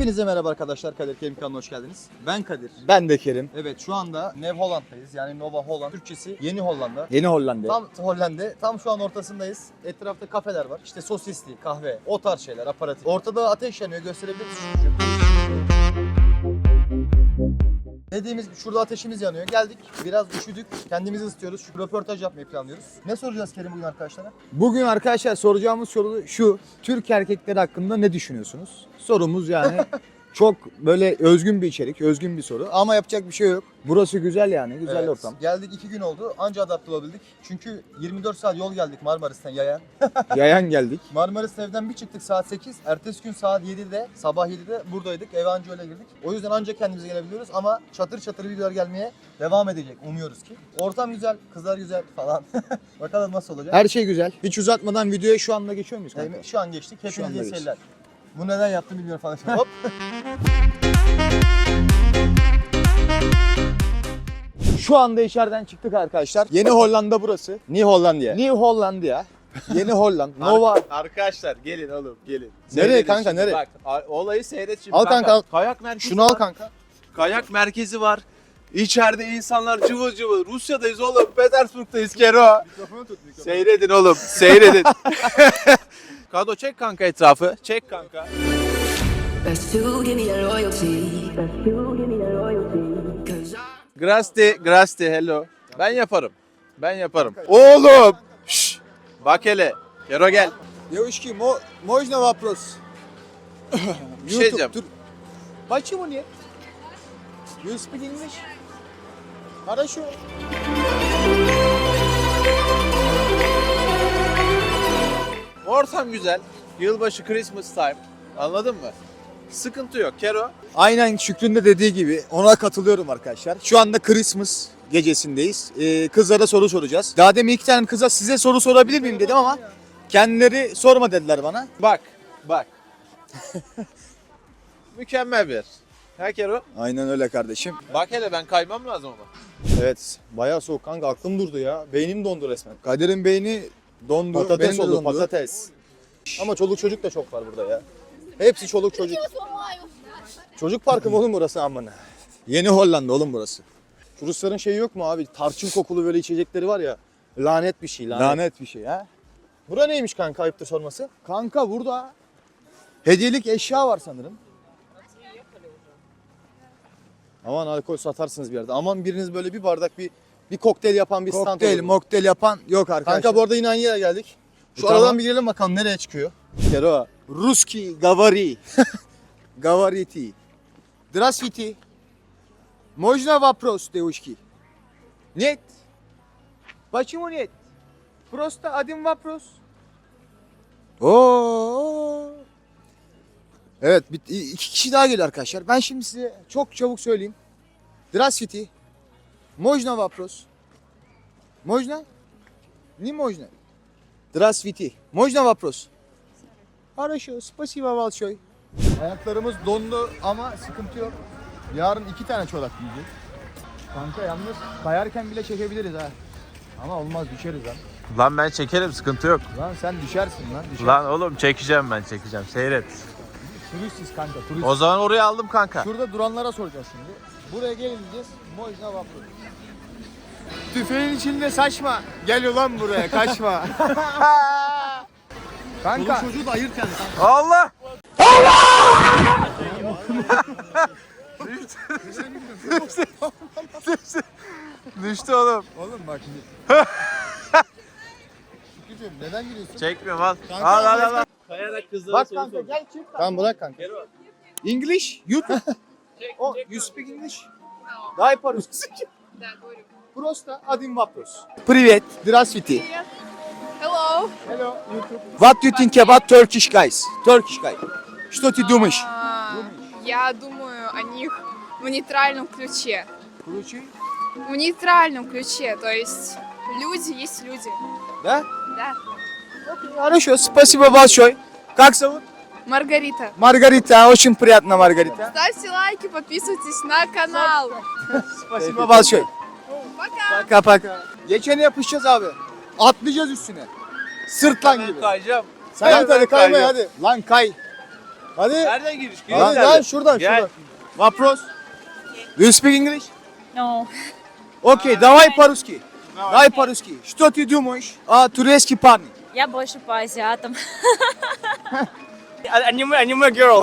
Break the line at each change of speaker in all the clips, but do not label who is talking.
Hepinize merhaba arkadaşlar. Kadir Kerim kanalına hoş geldiniz. Ben Kadir.
Ben de Kerim.
Evet, şu anda Nev Holland'dayız. Yani Nova Holland. Türkçesi Yeni Hollanda.
Yeni Hollanda.
Tam Hollanda. Tam şu an ortasındayız. Etrafta kafeler var. İşte sosisli, kahve, o tarz şeyler, aparatif. Ortada ateş yanıyor. Gösterebilir misin? Dediğimiz gibi şurada ateşimiz yanıyor. Geldik. Biraz üşüdük. Kendimizi ısıtıyoruz. Şu röportaj yapmayı planlıyoruz. Ne soracağız Kerim bugün arkadaşlara?
Bugün arkadaşlar soracağımız soru şu. Türk erkekleri hakkında ne düşünüyorsunuz? Sorumuz yani çok böyle özgün bir içerik, özgün bir soru. Ama yapacak bir şey yok. Burası güzel yani, güzel
Evet,
ortam.
Geldik 2 gün oldu. Anca adapte olabildik. Çünkü 24 saat yol geldik Marmaris'ten yayan.
Yayan geldik.
Marmaris evden bir çıktık saat 8. Ertesi gün saat 7'de, sabah 7'de buradaydık. Eve anca öyle girdik. O yüzden ancak kendimize gelebiliyoruz ama çatır çatır videolar gelmeye devam edecek. Umuyoruz ki. Ortam güzel, kızlar güzel falan. Bakalım nasıl olacak.
Her şey güzel. Hiç uzatmadan videoya şu anda geçiyor muyuz kanka?
Şu an geçtik.
Şu anda
Hepinize iyi
geçtik.
seyirler. Bu neden yaptım bilmiyorum falan. Hop.
Şu anda içeriden çıktık arkadaşlar. Yeni Hollanda burası.
New Hollandia.
New Hollanda. Yeni Hollanda. Nova.
Arkadaşlar gelin oğlum gelin.
Nereye
Seyredin
kanka,
şimdi.
nereye?
Bak olayı seyret şimdi.
Al kanka, al.
Kayak merkezi
Şunu al
var.
kanka.
Kayak merkezi var. İçeride insanlar cıvıl cıvıl. Rusya'dayız oğlum. Petersburg'dayız Kero.
Mikrofonu tut mikrofonu.
Seyredin oğlum. Seyredin. Kado çek kanka etrafı. Çek kanka.
Best to give me that loyalty. Best to give me that loyalty. 'Cause
Grasti hello. Ben yaparım. Ben yaparım. Oğlum. Şşş. Bak hele. Kero gel.
Девушки, можно вопрос?
Bir şey diyeceğim.
Почему нет? You speak English? Хорошо.
Ortam güzel. Yılbaşı Christmas time. Anladın mı? Sıkıntı yok Kero.
Aynen Şükrü'nün de dediği gibi ona katılıyorum arkadaşlar. Şu anda Christmas gecesindeyiz. Kızlara soru soracağız. Daha demin iki tane kıza size soru sorabilir miyim dedim ama kendileri sorma dediler bana.
Bak. Mükemmel bir yer. Ha Kero?
Aynen öyle kardeşim.
Bak hele ben kaymam lazım ama.
Evet, bayağı soğuk kanka. Aklım durdu ya. Beynim dondu resmen.
Kadir'in beyni dondu.
Patates
benim de
oldu,
dondu.
patates. Ama çoluk çocuk da çok var burada ya. Hepsi çoluk çocuk. Çocuk parkı mı oğlum burası amına?
Yeni Hollanda oğlum burası.
Şu Rusların şeyi yok mu abi? Tarçın kokulu böyle içecekleri var ya. Lanet bir şey, lanet.
Lanet bir şey ha.
Bura neymiş kanka, ayıptır sorması?
Kanka burada hediyelik eşya var sanırım.
Aman alkol satarsınız bir yerde. Aman biriniz böyle bir bardak bir kokteyl yapan bir stand
Kokteyl,
olur.
mokteyl yapan yok arkadaşlar.
Kanka bu arada yine aynı yere geldik. Şu
Tamam.
aradan bir girelim bakalım nereye çıkıyor.
Kero. Ruski gavari. Gavariti. Здравствуйте. Можно вопрос, девушки? Нет. Почему нет? Просто один вопрос. Oo. Evet, iki kişi daha geliyor arkadaşlar. Ben şimdi size çok çabuk söyleyeyim. Здравствуйте. Можно вопрос? Можно? Не можно. Здравствуйте. Можно вопрос? Хорошо, спасибо большое.
Ayaklarımız dondu ama sıkıntı yok. Yarın 2 tane çorap giyeceğiz.
Kanka yalnız kayarken bile çekebiliriz ha.
Ama olmaz, düşeriz lan.
Lan ben çekerim sıkıntı yok.
Lan sen düşersin lan.
Lan oğlum çekeceğim ben çekeceğim seyret.
Turistiz kanka, turist.
O zaman oraya aldım kanka.
Şurada duranlara soracağız şimdi. Buraya gelin diyeceğiz. Можно вопрос.
Tüfeğin içinde saçma. Gel ulan buraya, kaçma. Kanka.
Çoluk çocuğu da ayırt yani.
Allah! Düştü oğlum.
Oğlum bak şimdi. Şükrücüğüm neden gülüyorsun?
Çekmiyorum al.
Kanka,
Al. Kayarak kızlara
Bak kanka gel çık.
Tamam bırak kanka.
English, YouTube. Oh, you speak English? Дай по-русски. Просто один вопрос. Привет, здравствуйте.
Hello.
Hello, YouTube. What do you think about Turkish guys? Turkish guy. Что ты думаешь?
Я думаю о них в нейтральном ключе.
Ключи?
В нейтральном ключе, то есть люди есть люди.
Да?
Да.
Хорошо, спасибо большое. Как зовут?
Маргарита.
Маргарита, очень приятно, Маргарита.
Ставьте лайки, подписывайтесь на канал.
Спасибо большое.
Пока.
Paka. Geçene yapışacağız abi. Atlayacağız üstüne. Sırtlan gibi.
Kayacağım.
Sen hadi kaymaya hadi. Lan kay.
Hadi.
Nereden giriş?
Hadi lan şuradan
Gel.
şuradan.
Вопрос. Do you speak English?
No.
Окей, давай по-русски. Давай по-русски. Что ты думаешь о турецких парнях?
Я больше по азиатам.
Anime girl.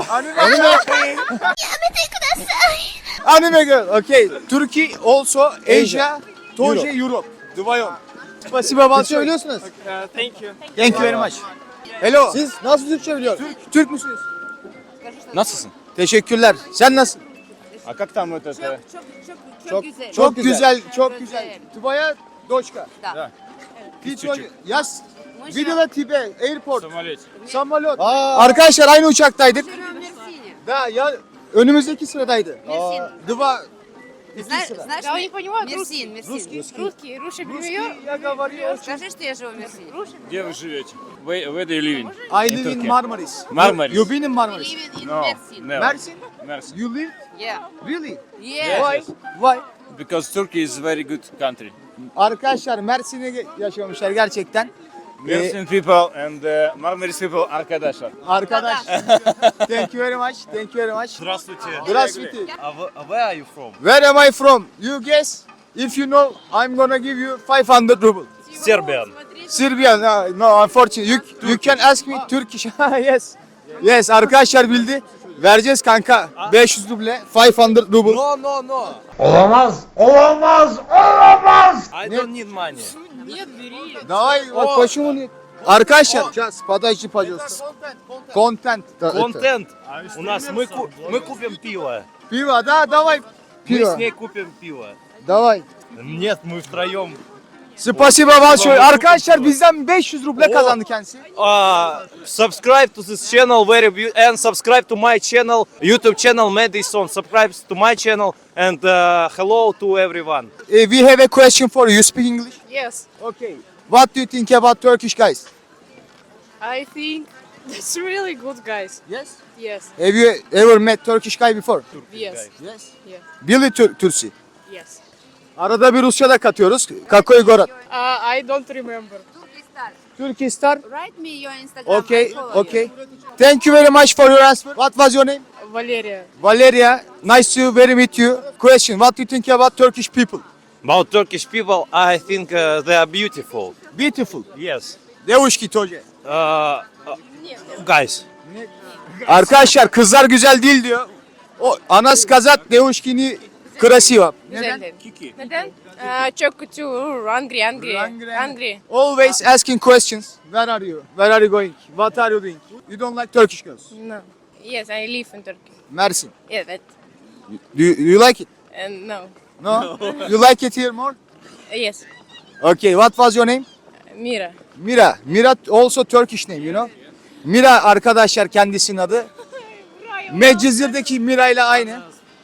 Anime girl. Okay. Turkey also Asia, тоже Europe. Вдвоем. Спасибо большое.
Söylüyorsunuz.
Thank you.
Thank you very much. Hello.
Siz nasıl Türkçe biliyorsunuz?
Türk müsünüz?
Nasılsın?
Teşekkürler. Sen nasılsın?
А как там вот это?
Çok güzel, çok güzel. Твоя дочка.
Да.
Ты тоже. Я видела тебя airport.
Самолете.
Самолет.
Aa,
Arkadaşlar aynı uçaktaydık. Da ya önümüzdeki sıradaydı. Два.
Знаешь,
Я не понимаю
Мерсин, Мерсин.
русский. Русский привет.
Я говорю очень.
Скажи, что я живу в Мерсине.
Где вы живете? Where do you live in?
I live in
Turkey.
Marmaris.
Marmaris.
You been in Marmaris?
Living in
No.
Mersin.
Never.
Mersin?
Mersin.
You live?
Yeah.
Really?
Yeah.
Why? Why?
Because Turkey is very good country.
Arkadaşlar Mersin'e yaşamışlar gerçekten.
Mersin people and Marmaris people arkadaşlar.
Arkadaş. Thank you very much. Thank you very much.
Здравствуйте.
Здравствуйте.
Where are you from?
Where am I from? You guess. If you know, I'm gonna give you 500 ruble.
Serbian.
Serbian. No, unfortunately. You can ask me Turkish. Yes. Yes, arkadaşlar bildi. Vereceğiz kanka. 500 ruble, 500 ruble.
No. I don't need money.
Давай, вот почему нет? Arkadaşlar, сейчас, подожди, пожалуйста. Контент.
Контент. У нас мы купим пиво.
Пиво, да, давай.
Мы
Пиво.
с ней купим пиво.
Давай.
Нет, мы втроем.
Spasiba большое. Arkadaşlar bizden 500 ruble kazandı kendisi.
Subscribe to this channel and subscribe to my channel, YouTube channel Madison. Subscribe to my channel and hello to everyone.
We have a question for you. You speak English?
Yes.
Okay. What do you think about Turkish guys?
I think it's really good guys.
Yes.
Yes.
Have you ever met Turkish guy before?
Yes.
Yes.
Yeah.
Billy Tursi.
Yes.
Arada bir Rusça da katıyoruz. Kakoy Gorat.
I don't remember.
Turkish star.
Write me your Instagram.
Okay,
I follow
okay. Thank you very much for your answer. What was your name?
Valeria.
Valeria. Nice to very meet you. Question. What do you think about Turkish people?
About Turkish people, I think they are beautiful.
Beautiful.
Yes.
Девушки тоже.
Guys.
Arkadaşlar kızlar güzel değil diyor. O Anas Kazat Devuşkini Krasiva.
Neden? Çok kötü. Angry.
Always asking questions. Where are you? Where are you going? What are you doing? You don't like Turkish girls.
No. Yes, I live in Turkey.
Mersin.
Evet.
Do you like it?
No.
No? You like it here more?
Yes.
Okay, what was your name?
Mira.
Mira. Mira also Turkish name, you know? Mira arkadaşlar kendisinin adı. Medcezir'deki Mira ile aynı.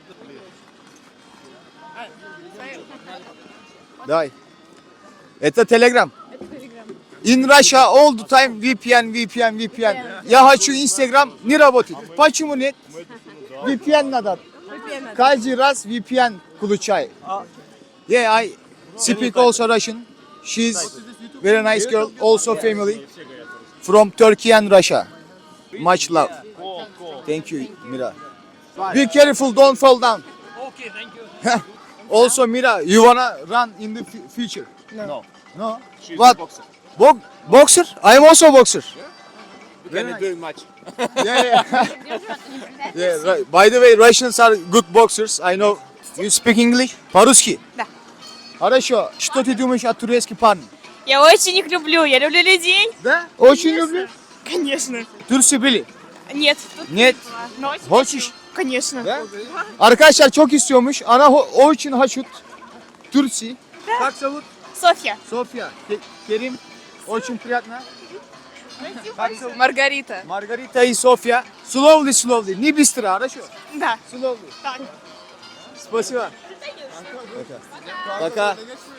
Давай. Это Telegram. In Russia all the time VPN. Я хочу Instagram не работает. Почему нет? VPN надо. Каждый раз VPN включай. Yeah, I speak also Russian. She's very nice girl, also family from Turkey and Russia. Much love. Thank you, Mira. Be careful, don't fall down.
Okay, thank you.
Also, Mira, you wanna run in the future?
No.
No.
She's
What?
a boxer.
Boxer? I am also boxer.
We cannot do much.
Yeah. Yeah. Right. By the way, Russians are good boxers. I know. You speak English? По-русски?
Да.
Хорошо. Что ты думаешь о турецких парнях?
Я очень их люблю. Я люблю людей.
Да? Очень люблю.
Конечно.
Türkçe bili.
Нет. Тут
Нет.
но очень
Хочешь?
Конечно.
Да? Arkadaşlar çok istiyormuş. Ana o için haşut. Türkçe. Как зовут?
Софья.
Софья. Kerim. Очень приятно. Как зовут?
Margarita.
Margarita и Софья. Slowly. Не быстро, хорошо?
Да.
Slowly.
Так.
Спасибо. Пока.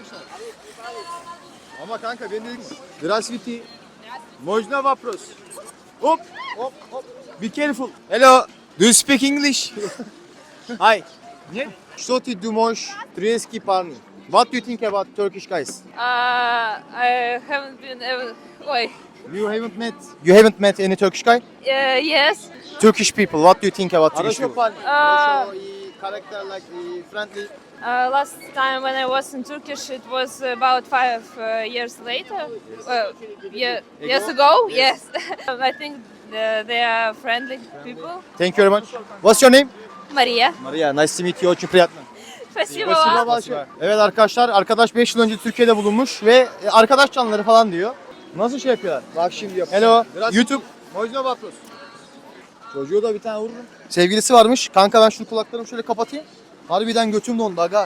Ama kanka ben dedim. Здравствуйте. Можно вопрос? Оп. Be careful. Hello. Do you speak English? Hi. Нет? Что ты думаешь, турецкие парни? What do you think about Turkish guys?
I haven't been. Ой.
You haven't met any Turkish guy?
Yes.
Turkish people. What do you think about Turkish people?
Character like friendly.
Last time when I was in Turkish, it was about 5 years later. Years ago. Yes. I think they are friendly people.
Thank you very much. What's your name?
Maria.
Maria. Nice to meet you. Очень приятно.
Спасибо вам.
Evet arkadaşlar, arkadaş 5 yıl önce Türkiye'de bulunmuş ve arkadaş canlıları falan diyor. Nasıl şey yapıyorlar? Bak şimdi yapıyor. Hello, YouTube. Можно вопрос? Çocuğu da bir tane vururum. Sevgilisi varmış. Kanka ben şu kulaklarımı şöyle kapatayım. Harbiden götüm dondu aga.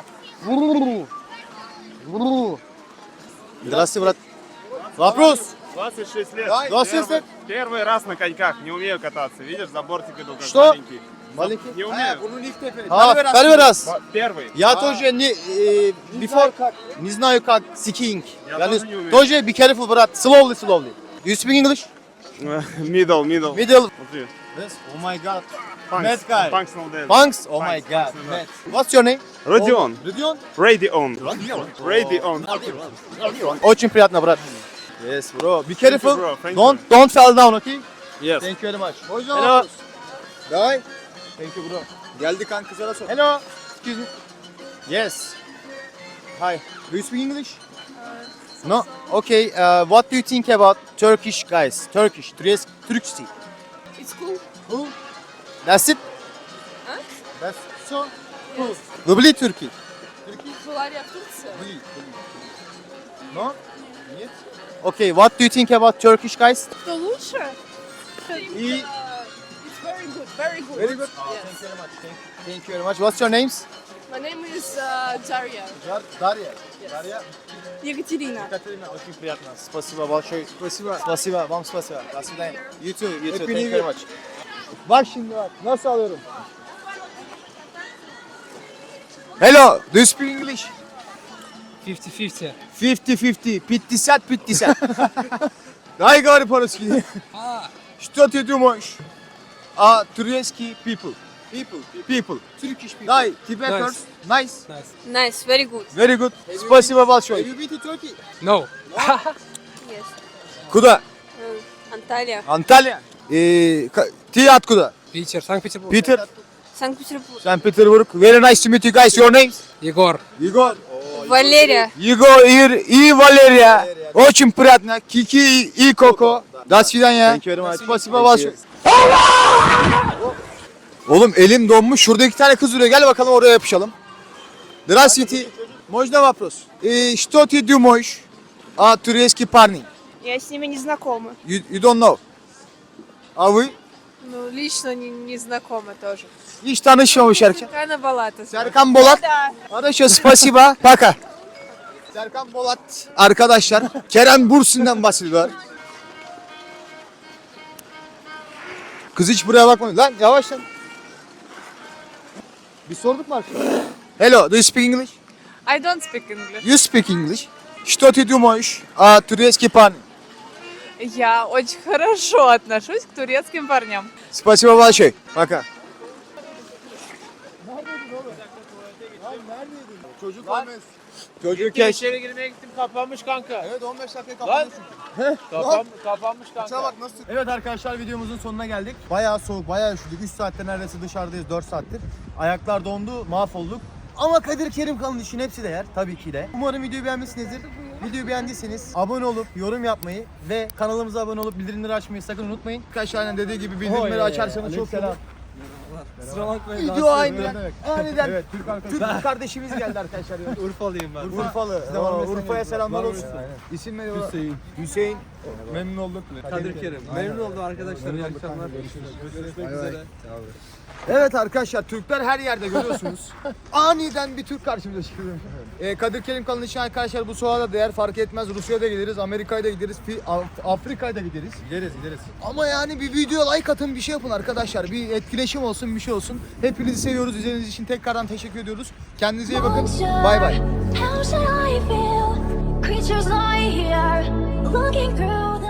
Здравствуйте, брат. Вопрос.
26 лет.
Давай, 26 лет.
Первый раз на коньках. Не умею кататься. Видишь, забортик иду как
Что?
маленький.
Маленький?
Не умею.
Ha, первый раз.
Первый.
Я тоже не before не знаю как skiing.
Я
Yani
тоже не умею.
тоже be careful брат. Slowly. Do you speak English?
Middle.
Middle.
Смотри.
Yes. Oh my god.
Punks.
Mad guy.
Functional dance.
Punks? Oh my god.
Punks.
Mad. What's your name?
Родион.
Родион?
Radion. Radion.
Очень приятно, брат. Yes, bro. Be careful.
you, bro. Thank you.
Don't fall down, okay?
Yes.
Thank you very much. Hello. Давай. Thank you, bro.
Geldi kan kızlara sor.
Hello. Excuse me. Yes. Hi. Do you speak English? No. Okay. What do you think about Turkish guys? Turkish. Turkcity.
It's cool.
Cool. That's it.
Huh?
That's so cool. Люблю Turkey.
Была ли я в Турции?
No? Нет. Okay. What do you think about Turkish guys?
Кто лучше?
И-
It's very good, very good.
Very good.
Yes.
Thank you very much. Thank you very much. What's your names?
My name is Daria.
Дарья.
Yes.
Дарья.
Екатерина.
Катерина, очень приятно. Спасибо большое.
Спасибо.
Спасибо, вам спасибо. До свидания.
You too. You too.
Happy
Thank
New
you
Year.
very much.
Bak şimdi bak. Nasıl alıyorum? Hello, do you speak English?
50-50.
50-50. 50. Дай говори по-русски. Что ты думаешь о турецкий people? People. Turkish people. Дай, тебе
Nice.
first. Nice.
Nice, very good.
Very good. Спасибо большое.
Have you been to Turkey?
No.
Yes.
Куда?
Анталия.
Анталия. Ты откуда?
Питер, Санкт-Петербург.
Питер.
Санкт-Петербург.
Санкт-Петербург. Very nice to meet you guys. Your names?
Егор.
Егор.
Валерия.
Егор и Валерия. Очень приятно. Кики и Коко. До свидания. Спасибо большое. Oğlum elim donmuş. Şurada 2 tane kız duruyor. Gel bakalım oraya yapışalım. Здравствуйте. Можно вопрос? Что ты думаешь о турецких парней?
Я с ними не знакома.
You don't know. А вы?
Ну, лично не знакома тоже.
Hiç tanışmamış erken.
Какая Балата.
Serkan Bolat. Arkadaşlar spasiba. Paka. Serkan Bolat. Arkadaşlar Kerem Bursin'den bahsediyorlar. Kız hiç buraya bakmadı. Lan yavaş lan. Bir sorduk mu arkadaşlar? Hello, do you speak English?
I don't speak English.
You speak English. Что ты думаешь о турецких парнях?
Я очень хорошо отношусь к турецким парням.
Спасибо большое. Пока. Çocuk olmaz. Çocuk geç.
İçeri girmeye gittim kapanmış kanka.
Evet 15 dakika kapanmış.
Kapanmış kanka.
Bak nasıl? Evet arkadaşlar videomuzun sonuna geldik. Bayağı soğuk, bayağı üşüdük. 3 saattir neredeyse dışarıdayız, 4 saattir. Ayaklar dondu, mahvolduk. Ama Kadir Kerim kanalının için hepsi değer tabii ki de. Umarım videoyu beğenmişsinizdir. Videoyu beğendiyseniz abone olup yorum yapmayı ve kanalımıza abone olup bildirimleri açmayı sakın unutmayın. Arkadaşlar dediği gibi bildirimleri açarsanız çok selam.
Kusura bakmayın.
Video aniden evet, Türk kardeşimiz geldi arkadaşlar.
Urfalıyım ben.
Urfalı. Urfa'ya selamlar olsun. İsim ne? Hüseyin. Memnun olduk.
Kadir Kerim. Memnun oldum arkadaşlar. İyi akşamlar. Görüşmek üzere.
Evet arkadaşlar Türkler her yerde görüyorsunuz. Aniden bir Türk karşımıza çıkıyor. Kadir Kerim kanalı için arkadaşlar bu soğuğa da değer fark etmez. Rusya'ya da gideriz, Amerika'ya da gideriz, Afrika'ya da gideriz. Gideriz. Ama yani bir video like atın bir şey yapın arkadaşlar. Bir etkileşim olsun bir şey olsun. Hepinizi seviyoruz. İzlediğiniz için tekrardan teşekkür ediyoruz. Kendinize iyi bakın. Bay bay.
How should I feel? Creatures lie here, looking through the